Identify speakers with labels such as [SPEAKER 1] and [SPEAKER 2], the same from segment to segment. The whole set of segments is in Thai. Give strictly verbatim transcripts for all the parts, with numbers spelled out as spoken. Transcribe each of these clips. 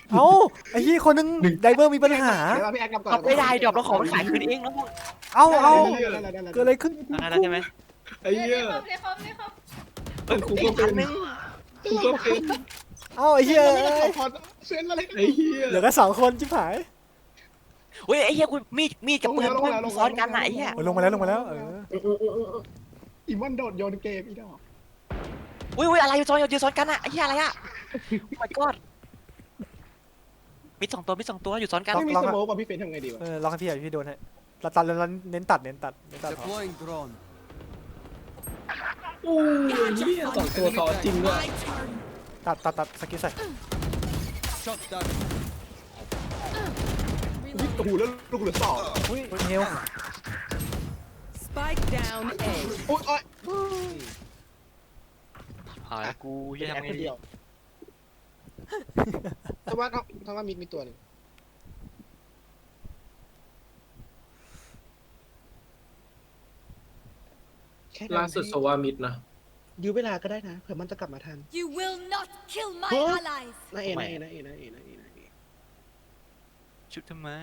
[SPEAKER 1] เอ้าไอ้ที่คนนึงไดเวอร์มีปัญหา
[SPEAKER 2] เดี๋ยวพี่แอ๊กกลับก่อน
[SPEAKER 3] เราไม่ได้ดอกเราขอมันขายคืนเองแล้ว
[SPEAKER 1] เอ้าเอ้า
[SPEAKER 2] ได้ได้ได้ได้
[SPEAKER 1] เกิดอะไรขึ้น
[SPEAKER 3] ได้แล้วใช่ไหม
[SPEAKER 4] ไอ้เหี้ย
[SPEAKER 5] เรียกคอมเรียกคอม
[SPEAKER 3] เอ้ย
[SPEAKER 4] กู
[SPEAKER 3] อี
[SPEAKER 4] ก็
[SPEAKER 3] ก
[SPEAKER 4] เป็
[SPEAKER 3] อั
[SPEAKER 4] น
[SPEAKER 3] นนึง
[SPEAKER 4] กูก็เป็น
[SPEAKER 1] เอ้าไอ้เหี้ย
[SPEAKER 2] เส้นอะไร
[SPEAKER 4] ไอ้เหี้ย
[SPEAKER 1] เหลือแค่สองคนชิบหาย
[SPEAKER 3] เฮ้ยไอ้เหี้ยกูมีดมีดกับปืนมันซ้อนกันไหนเหี้ย
[SPEAKER 1] โอ้ยลงมาแล้วลงมาแล้วเออ
[SPEAKER 2] อีมอนโดดโยนเกมอีดอก
[SPEAKER 3] อุ้ยอุ้ยอะไรซ้อนอยู่ซ้อนกันอะไอ้เหี้ยอะไรอะmy god มีสองตัวมีสองตัวอยู่ซ้อนกัน
[SPEAKER 2] ไม่มีสโมกว่ะพี่เฟนทำไงดีวะ
[SPEAKER 1] เออลองให้พี่หน่อยพี่โดนให้ตัดตัดแล้วเน้นตัดเน้นตัดเน้นตัดพอ
[SPEAKER 6] Deploying drone.
[SPEAKER 4] โอ้ยเหี้ยสองตัวซ้อนจริงด้วย
[SPEAKER 1] ตัดตัดตัดสกิลใส่
[SPEAKER 6] Shot down.
[SPEAKER 2] โอ้โหแล้วลูกเหลือสอง
[SPEAKER 1] อุ้ยเฮล
[SPEAKER 7] Spike down A.
[SPEAKER 2] โอ้ยโอ้ย
[SPEAKER 3] หายกูเหี้ย
[SPEAKER 2] แอ
[SPEAKER 3] ทำ
[SPEAKER 2] ค
[SPEAKER 3] ไง
[SPEAKER 2] คน
[SPEAKER 3] ดี
[SPEAKER 2] เดียวถ้าว่าถ้าว่ามีมีตัวหนึ่ง
[SPEAKER 4] ล่าสุดสวามิดนะ
[SPEAKER 2] ยื้อเวลาก็ได้นะเผื่อมันจะกลับมาทัน
[SPEAKER 5] You will not kill my
[SPEAKER 2] Huh?
[SPEAKER 5] allies
[SPEAKER 2] นะเอนะเอนะเอนะเอนะเอนะเอ
[SPEAKER 3] ชุบทำไม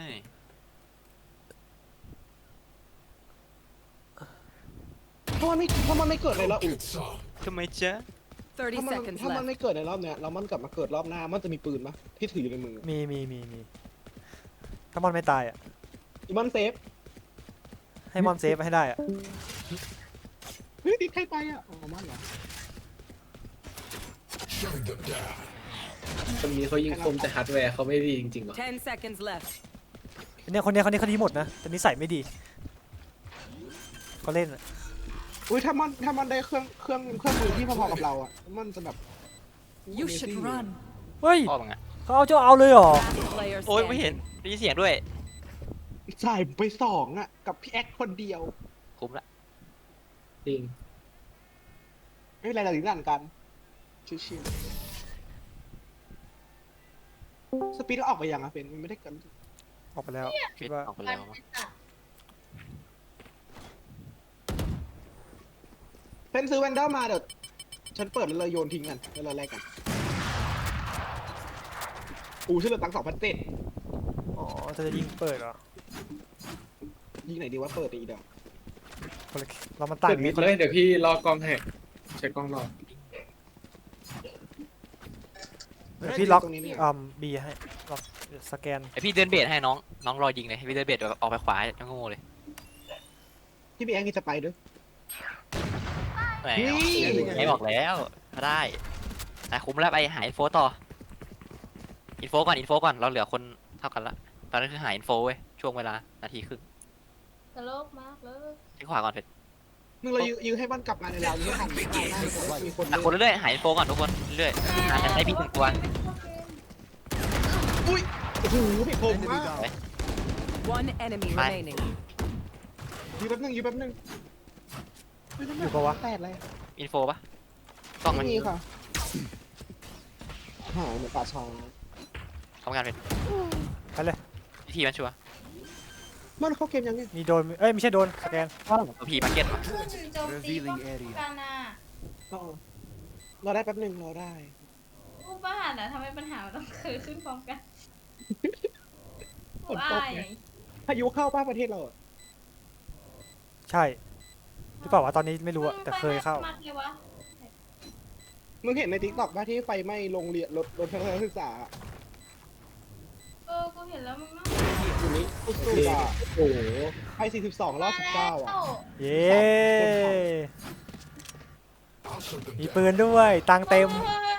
[SPEAKER 2] ถ้ามันไม่ถ้ามันไม่เกิดในรอบ
[SPEAKER 3] ทำไมจ๊ะ
[SPEAKER 7] Thirty
[SPEAKER 2] ถ้ามัน
[SPEAKER 7] seconds
[SPEAKER 2] ถ้ามัน
[SPEAKER 7] left.
[SPEAKER 2] ไม่เกิดในรอบเนี้ยแล้วมันกลับมาเกิดรอบหน้ามันจะมีปืนปะที่ถืออยู่ในมือ
[SPEAKER 1] มีมีมีมีถ้ามอนไม่ตายอ่ะ
[SPEAKER 2] อีมอนเซฟ
[SPEAKER 1] ให้มอนเซฟให้ได้อ่ะ
[SPEAKER 2] เฮ้ยติดใครไปอ่ะอ๋อมันเหรอ
[SPEAKER 4] คนนี้เขายิงคมแต่ฮาร์ดแวร์เขาไม่ดีจริงๆหรอ
[SPEAKER 7] Ten seconds left.
[SPEAKER 1] เนี่ยคนเนี้ยคนนี้เขาดีหมดนะแต่นิสัยไม่ดีเขาเล่นอะ
[SPEAKER 2] อุ้ยถ้ามันถ้ามันได้เครื่องเครื่องเครื่องมือที่พอๆกับเราอ่ะมันจะแบบ
[SPEAKER 7] You should run.
[SPEAKER 1] เฮ้ย
[SPEAKER 3] พ่อมึงอะ
[SPEAKER 1] เขาเอาเจ้าเอาเลยเหรอ
[SPEAKER 7] Last player
[SPEAKER 3] โอ้ยไม่เห็น
[SPEAKER 7] standing.
[SPEAKER 3] ได้ยินเสียงด้วย
[SPEAKER 2] จ่ายไปสองอ่ะกับพี่แอ๊กคนเดียว
[SPEAKER 3] คุ้มละ
[SPEAKER 4] จริง
[SPEAKER 2] ไม่เป็นไรเราถึงด่านกันชิวๆสปีดก็ออกไปยังอ่ะเป็นมันไม่ได้กัน
[SPEAKER 1] ออกไปแล้วคิ
[SPEAKER 3] ปิ
[SPEAKER 1] ด
[SPEAKER 3] ด
[SPEAKER 1] ว่า
[SPEAKER 3] ออกไปแล้วมั้ง
[SPEAKER 2] เป็นซื้อแวนเดอร์มาเดี๋ยวฉันเปิดแล้วเลยโยนทิ้งกันแล้วเราแลกกันอูชื่อเหลือตังสองพันเจ็ด
[SPEAKER 1] อ๋อเธอจะยิงเปิดเหรอ
[SPEAKER 2] ยิงไหนดีวะเปิดอีกเดี๋ยว
[SPEAKER 1] คนละเรามันต่าง
[SPEAKER 4] เปิด
[SPEAKER 1] กั
[SPEAKER 4] มิ
[SPEAKER 1] น
[SPEAKER 4] ดเลยเดี๋ยวพี่รอกล้องให้ใช้กล้องรอ
[SPEAKER 1] เดี๋ยวพี่ล็อก
[SPEAKER 2] ตรงนี้เนี่ย
[SPEAKER 1] อืมบีให้ล็อกสแกน
[SPEAKER 3] ไอพี่เดินเบสให้น้องน้องรอยิงเลยให้พี่เดินเบสเดี๋ยวออกไปขวายังโง่เลย
[SPEAKER 2] ที่พี่แอ๊กนี่จะไปด้วย
[SPEAKER 3] แหม
[SPEAKER 2] นี่
[SPEAKER 3] ไม่บอกแล้วได้แต่คุ้มแล้วไปหาอินโฟต่ออินโฟก่อนอินโฟก่อนเราเหลือคนเท่ากันละตอนนั้นคือหาอินโฟเว้ยช่วงเวลานาทีครึ่ง
[SPEAKER 5] ตลกมากเลย
[SPEAKER 3] ที่ขวาก่อนเผ็ด
[SPEAKER 2] มึงเรายื้อยื้อให้มันกลับมาในเรายื้อทันไม่ได้ได้เพราะว่ามีคน
[SPEAKER 3] หาคนเรื่อยๆหาอินโฟก่อนทุกคนเรื่อยๆหากันได้พี่ถึงตัว
[SPEAKER 2] อุ้ยโอ้โหพี่คมมาก
[SPEAKER 7] One enemy
[SPEAKER 3] Bye.
[SPEAKER 7] remaining.
[SPEAKER 2] ยื้อแป๊บนึงยื้อแป๊บนึง
[SPEAKER 1] อยู่ปะวะ
[SPEAKER 2] แปดเลย
[SPEAKER 3] อินโฟปะกล้องมัน
[SPEAKER 2] ไม่มีค่ะหายเหมือนป่าช้า
[SPEAKER 3] ทำงานเป็น
[SPEAKER 1] ไปเลย
[SPEAKER 3] วิธีมันชัวร์
[SPEAKER 2] มันเข้าเกมยังไง
[SPEAKER 1] มีโดนเอ้ยไม่ใช่โดนสแกน
[SPEAKER 3] ตัวพีมาร์เก็ตมา
[SPEAKER 5] โจมตีป้องกันน่ะ
[SPEAKER 2] อ๋อรอได้แป๊บนึงรอได้
[SPEAKER 5] ผู้บ้านอ่ะทำให้ปัญหามันต้องเกิดขึ้นพร้อมกัน
[SPEAKER 2] ฝนตกไง พายุเข้าป้าประเทศเราอะ
[SPEAKER 1] ใช่หรือเปล่าวะตอนนี้ไม่รู้อะแต่เคยเข้า
[SPEAKER 5] มัดเลยวะ
[SPEAKER 2] มึงเห็นในทิกตอกป่ะที่ไฟไหม้โรงเรียนรถรถทัศนศึกษาอะ
[SPEAKER 5] เออกูเห็นแล้วมึงต้อง
[SPEAKER 2] อยู่นี้สุดๆอ่ะ
[SPEAKER 4] โอ้โห
[SPEAKER 2] ไฟสี่สิบสองรอบสิบเก้าอ่ะ
[SPEAKER 1] เย้มีปืนด้วยตังค์เต็ม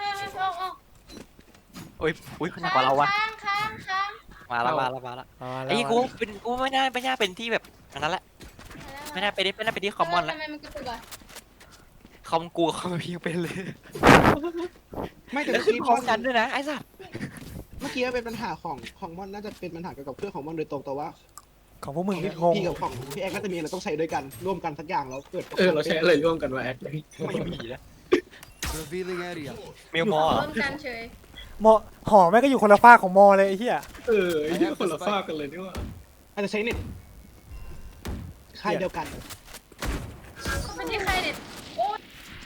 [SPEAKER 3] โอ้ยอุ้ยขนาดกว่าเราวะ
[SPEAKER 5] ค้างค้างค้าง
[SPEAKER 3] มาแล้วมาแล้วมาแล้ว
[SPEAKER 1] เอาแล้ว
[SPEAKER 3] ไอ้กูเป็นกูไม่น่าไม่น่าเป็นที่แบบอันนั้นแหละไม่น่าไปได้ไม่น่าไปที่คอมมอนแล้ว
[SPEAKER 5] ทำไมมันกระตุกอ่ะ
[SPEAKER 3] คอมกูคอมพีเป็นเลย
[SPEAKER 2] ไม่แต่
[SPEAKER 3] แล้ว
[SPEAKER 2] เมื่อ
[SPEAKER 3] ขึ้น
[SPEAKER 2] กี้
[SPEAKER 3] พร้อมกันด้วยนะไอ้สัส
[SPEAKER 2] เมื่อกี้เป็นปัญหาของของมอนน่าจะเป็นปัญหาเกี่ยวกับเครื่องของมอนโดยตรงแต่ว่า
[SPEAKER 1] ของพวกมึง
[SPEAKER 2] พี่
[SPEAKER 1] งง
[SPEAKER 2] พี่กับของพี่แอ๊กน่าจะมีอะไรต้องใช้ด้วยกันร่วมกันสักอย่างแล้วเกิด
[SPEAKER 4] เออเราใช้อะไรร่วมกันวะแอด
[SPEAKER 3] ไม่มีนะ
[SPEAKER 6] Revealing area.
[SPEAKER 3] เมลมอ
[SPEAKER 5] ร่วมกันเฉย
[SPEAKER 1] มอหอแม่งก็อยู่คนละฝากของมอเลยไอ้เหี้ย
[SPEAKER 4] เออไอ้เหี้ยคนละฝากกันเลยนี่ว่า
[SPEAKER 2] อาจจะใช้เน็ตค่ายเดียวกัน
[SPEAKER 5] ไม่ใช่ใครเด็ดโอ้ย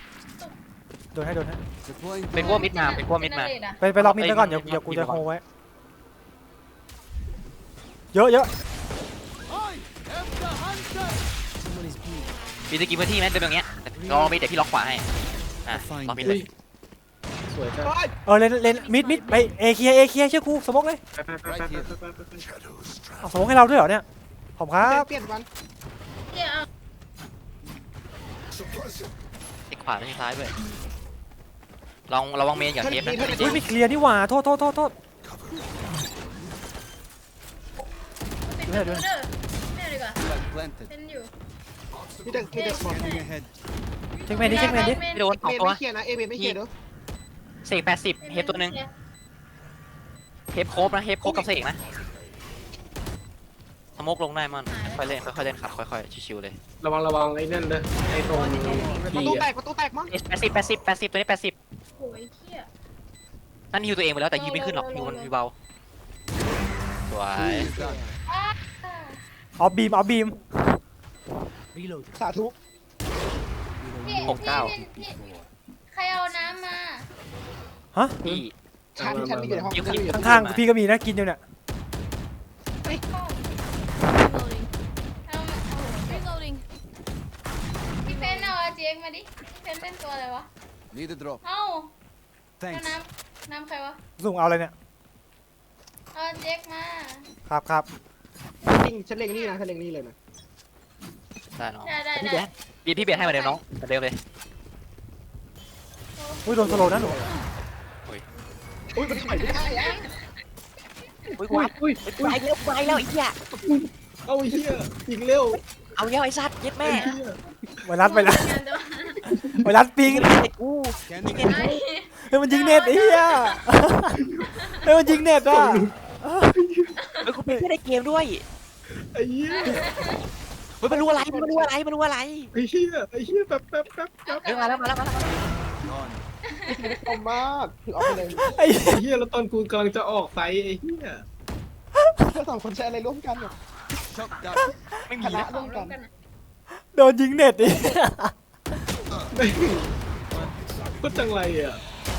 [SPEAKER 1] โดนให้โดนให้
[SPEAKER 6] Deploying
[SPEAKER 3] เป็น
[SPEAKER 6] drone.
[SPEAKER 3] พวกมิดมาเป็นพวกมิดมา
[SPEAKER 5] เนเรตอะ
[SPEAKER 1] ไปไปล็อกมิดไว้ก่อนเดี๋ยวเดี๋ยวกูจะโฮไว้เยอะเยอะ
[SPEAKER 6] I am the hunter. Someone is bleeding.
[SPEAKER 3] มีสกิลพื้นที่ไหมเดินตรงเนี้ยลองมีเดี๋ยวพี่ล็อกขวาให้อ่ะล็อกมิดเลย
[SPEAKER 4] สวยจัง
[SPEAKER 2] โอ้ย
[SPEAKER 1] เออเลนเลนมิดมิดไปเอเคลียเอเคลียเชื่อกูสมองเลย
[SPEAKER 4] ไปไปไปไปไปไปไป
[SPEAKER 1] เอาสมองให้เราด้วยเหรอเนี่ยขอบคุณครับ
[SPEAKER 2] เปลี่ยนวัน
[SPEAKER 5] เดี๋ยวเอา
[SPEAKER 3] ติดขวาไม่ใช่ซ้ายด้วยลองระวังเมนอย่าเทปนะ
[SPEAKER 1] อุ้ยไม่เคลียร์นี่หว่าโทษโทษโทษโทษ
[SPEAKER 5] ปิด
[SPEAKER 1] ดู
[SPEAKER 5] ประ
[SPEAKER 1] ให้ดู
[SPEAKER 5] ตูเด้อแม่ดีกว่า
[SPEAKER 6] Flag planted.
[SPEAKER 5] เป็นอยู่
[SPEAKER 2] มีแต่มีแต่สมอง
[SPEAKER 6] Scanning ahead.
[SPEAKER 1] เช็คแมนดิเช็คแมนดิ
[SPEAKER 3] ไม่โดนส
[SPEAKER 2] เอ
[SPEAKER 3] อง
[SPEAKER 2] เม
[SPEAKER 3] ตัว
[SPEAKER 2] ไม่เคลียร์นะเอเมไม่เคลียร์เด้อ
[SPEAKER 3] เสกแปดสิบเฮฟตัวหนึ่งเฮฟโคบนะเฮฟโคบกับเสกนะสโมกลงได้มันค่อยเล่นค่อยๆเล่นครับค่อยๆชิวๆเลย
[SPEAKER 4] ระวังระวังไอ้นั่นเด้อไอ้ตรง
[SPEAKER 2] ประ
[SPEAKER 4] ที
[SPEAKER 2] ตูแต
[SPEAKER 4] อะ
[SPEAKER 2] กประตูแตกมั้ง
[SPEAKER 3] แปดสิบแปดสิบแปดสิบตัวนี้แปดสิบ
[SPEAKER 5] โอ้ยเขี้ย
[SPEAKER 3] นั่นฮิวตัวเองไปแล้วแต่ฮิวไม่ขึ้นหรอกฮิวมันฮิวเบาสวย
[SPEAKER 6] Is done.
[SPEAKER 5] อ้า
[SPEAKER 1] ออฟบีมออฟบีม
[SPEAKER 6] Reloading.
[SPEAKER 2] สาธุ
[SPEAKER 5] พี่
[SPEAKER 3] หกเก้า
[SPEAKER 5] พี่พี่ใครเอาน้ำมา
[SPEAKER 3] พี่
[SPEAKER 2] ชั้นชั้นที่อยู่ในห้องชั้นที่อยู่ในห้อง
[SPEAKER 1] ข้างๆพี่ก็มีนะกินอยู่เนี่ย
[SPEAKER 5] เอามาเอา reloading พี่เฟนเอาอาเจกมาดิพี่เฟนเป็นตัวอะไรวะ
[SPEAKER 6] Need a drop.
[SPEAKER 5] เอ้าเอา
[SPEAKER 6] Thanks.
[SPEAKER 5] น้ำน้ำใครวะ
[SPEAKER 1] สุ่งเอาอะไรเนี่ย
[SPEAKER 5] เอาอาเจกมา
[SPEAKER 1] ครับครับ
[SPEAKER 2] จริงฉันเล็งนี่นะฉันเล็งนี่เลยนะ
[SPEAKER 3] ได้น้อง
[SPEAKER 5] ได้ได้
[SPEAKER 3] พี่
[SPEAKER 5] ได้
[SPEAKER 3] เบสพี่พี่เบสให้เหมาเดิมน้องเหมือนเดิมเลย
[SPEAKER 1] อุ้ยโดนสโลว์นะหนู
[SPEAKER 2] อุ้ยมันถอยไม่ได้อะ
[SPEAKER 3] อุ้ย
[SPEAKER 4] อุ้ยอุ้ย
[SPEAKER 3] ไปแล้วไปแล้วไอ้เหี้ย
[SPEAKER 4] เอาไอ้เหี้ยยิงเร็ว
[SPEAKER 3] เอาเหี้ยไอ้สัตว์เย็ดแม่
[SPEAKER 4] ไอ้เหี้ย
[SPEAKER 1] ไวรัสไปแล้ว
[SPEAKER 5] งานตัว
[SPEAKER 1] ไวรัสปิง
[SPEAKER 3] ไอ้กู
[SPEAKER 6] Scanning
[SPEAKER 5] ไอ้
[SPEAKER 6] ahead.
[SPEAKER 1] เฮ้ยมันยิงเน็ตไอ้เหี้ยเฮ้ยมันยิงเน็ตอ่ะ
[SPEAKER 3] เฮ้ยกูเป็นแค่ในเกมด้วย
[SPEAKER 4] ไอ้เหี้ย
[SPEAKER 3] เฮ้ยมันรู้อะไรมันรู้อะไรมันรู้อะไร
[SPEAKER 4] ไอ้เหี้ยไอ้เหี้ยแป๊บแป๊บแป๊บแป๊บ
[SPEAKER 3] เฮ้ยมาแล้วมาแล้วมาแล้ว
[SPEAKER 6] Gone.
[SPEAKER 2] คมมากถือเอาไปเลย
[SPEAKER 1] ไอ้
[SPEAKER 4] ไอ้เหี้ยแล้วตอนกูกำลังจะออกไฟไอ้เหี้ย
[SPEAKER 2] เพื่อสองคนใช้อะไรร่วมกันเนี่ย
[SPEAKER 6] Shot down.
[SPEAKER 3] ไม่
[SPEAKER 2] ช
[SPEAKER 3] มี
[SPEAKER 2] นะ
[SPEAKER 3] นะ
[SPEAKER 2] ร่วมกัน
[SPEAKER 1] โดนยิงเน็ตดิ
[SPEAKER 4] ไม่ก็จังไรอ่ะ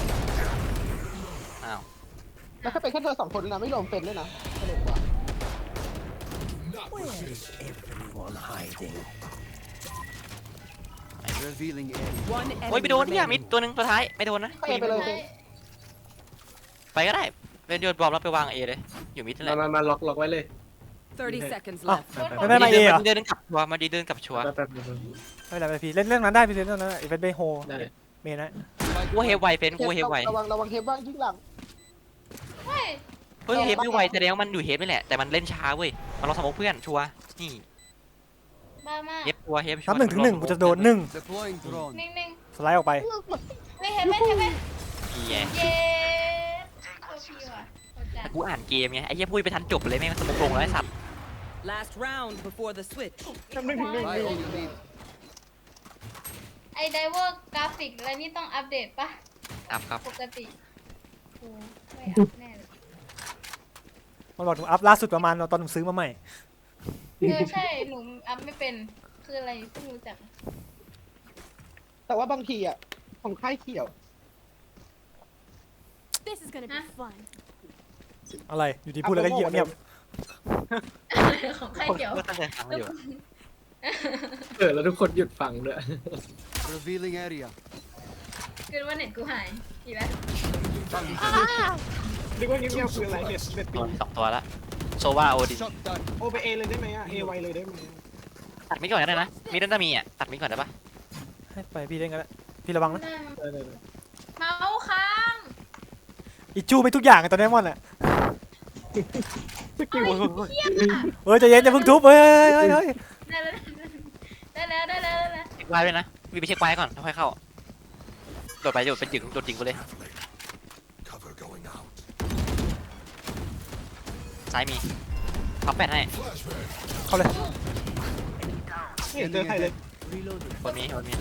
[SPEAKER 3] อ้าว
[SPEAKER 2] แล้วถ้าเป็นแค่เธอสองคนนะไม่รวมเป็นด้วยนะสนุกกว่า
[SPEAKER 6] Revealing area.
[SPEAKER 7] One
[SPEAKER 3] โอ้ย
[SPEAKER 7] enemy
[SPEAKER 3] ไปโดนเนี่ยมิด
[SPEAKER 7] remaining.
[SPEAKER 3] ตัวหนึ่งตัวท้ายไม่โดนนะ
[SPEAKER 2] ไปไปเลย
[SPEAKER 3] ไปก็ได้เป็นโยนบอมแล้วไปวางเอเลยอยู่มิดนั่นแห
[SPEAKER 4] มา
[SPEAKER 3] ละ
[SPEAKER 4] มามาล็อกล็อกไว้เลย
[SPEAKER 7] Thirty seconds
[SPEAKER 1] อ้าว
[SPEAKER 7] left.
[SPEAKER 1] ไม่ไม่มาเอเหรอ
[SPEAKER 3] เดินเดินกลับชัวร์มาดีเดินกลับชัวร์
[SPEAKER 4] แป๊บแป๊บแป๊บ
[SPEAKER 1] ไม่เป็นไรไม่เป็นไรพี่เล่นเรื่องนั้นได้พี่เล่นเรื่องนั้นอีเวนต์เบโฮ
[SPEAKER 4] ได้
[SPEAKER 1] เมนนะ
[SPEAKER 3] กูเฮฟไวเฟนกูเฮฟไว
[SPEAKER 2] ระวังระวังเฮฟบ้างยิ่งหลัง
[SPEAKER 5] เฮ้ย
[SPEAKER 3] เฮ้ยเฮฟไม่ไวแสดงว่ามันอยู่เฮฟนี่แหละแต่มันเล่นช้าเว้ยมันลองสมองเพื่อนชัวร์นี่
[SPEAKER 5] บ้ามาก
[SPEAKER 3] เฮฟชัวร์เฮฟชัว
[SPEAKER 1] นับ
[SPEAKER 3] ร์
[SPEAKER 1] หนึ่งถึงหนึ่งกูจะโดนหนึ่ง
[SPEAKER 6] Deploying drone.
[SPEAKER 5] นิ่งนิ่ง
[SPEAKER 1] สไลด์ออกไป
[SPEAKER 5] ๆไม่เห็นไหมเห็นไหม
[SPEAKER 3] นี่ไง
[SPEAKER 5] เย้ตัวพี่ว่ะโคตรจัด
[SPEAKER 3] กูอ่านเกมไงไอ้เหี้ยพูดไปทันจบเลยแม่งสมองลงแล้วไอ้สัตว์
[SPEAKER 7] Last round before the switch.
[SPEAKER 2] จำหนึ่งถึงหนึ่ง
[SPEAKER 6] By all you need.
[SPEAKER 5] ไอไดเวอร์กราฟิกอะไรนี่ต้องอัปเดตปะ
[SPEAKER 3] อัพครับ
[SPEAKER 5] ปกติโอ้ไม่อัปแน่เลย
[SPEAKER 1] มันบอกหนูอัพล่าสุดประมาณตอนหนูซื้อมาใหม่
[SPEAKER 5] เออใช่หนูอัพไม่เป็นคืออะไรเพิ่งรู้จัก
[SPEAKER 2] แต่ว่าบางทีอ่ะของค่ายเขียว
[SPEAKER 8] This is gonna be fun.
[SPEAKER 1] อะไรอยู่ดีพูดแล้วก็เงียบเงียบ
[SPEAKER 5] ของใครเกี่ยว
[SPEAKER 3] ก็ตั้งใจฟังอยู่
[SPEAKER 4] เออแล้วทุกคนหยุดฟังด้วย
[SPEAKER 6] Revealing area.
[SPEAKER 5] คือว่าเน็ตกูหายอีกแล้ว
[SPEAKER 2] นึกว่าเงียบๆคืออะไรเน็ตเน็ต
[SPEAKER 3] ตั
[SPEAKER 2] ปิ
[SPEAKER 3] ว
[SPEAKER 2] ง
[SPEAKER 3] สองตัวละโซวาโอดิน
[SPEAKER 6] Shot down.
[SPEAKER 2] โอไปเอเลยได้ไหมอ่ะเอไวเลยได้ไหม
[SPEAKER 3] ตัดมิดก่อนก็ได้นะมิดน่าจะมีอ่ะตัดมิดก่อนได้ปะ
[SPEAKER 1] ให้ไปพี่เล่นกันแล้วพี่ระวังนะ
[SPEAKER 4] ได้ได้ได้
[SPEAKER 5] เมาส์ค้าง
[SPEAKER 1] อิจูไม่ทุกอย่างอะตอนนี้มอนอ่ะ
[SPEAKER 2] สกิล
[SPEAKER 1] เฮ้ยใจเย็นอย่าเพิ่งทุบเฮ้ยเฮ้ยเฮ้ย
[SPEAKER 5] ได้แล้วได้แล้วได้แล้วได้แล้ว
[SPEAKER 3] เช็คไว้ด้วยนะวีไปเช็คไว้ก่อนแล้วค่อยเข้าโดดไปโดดเป็นจึงโดดจริงไปเลยซ้ายมีพับแปดให้
[SPEAKER 1] เข้าเลย
[SPEAKER 2] ไม่เห็นเจอใครเลย
[SPEAKER 6] Reloading.
[SPEAKER 3] คนมีคนมี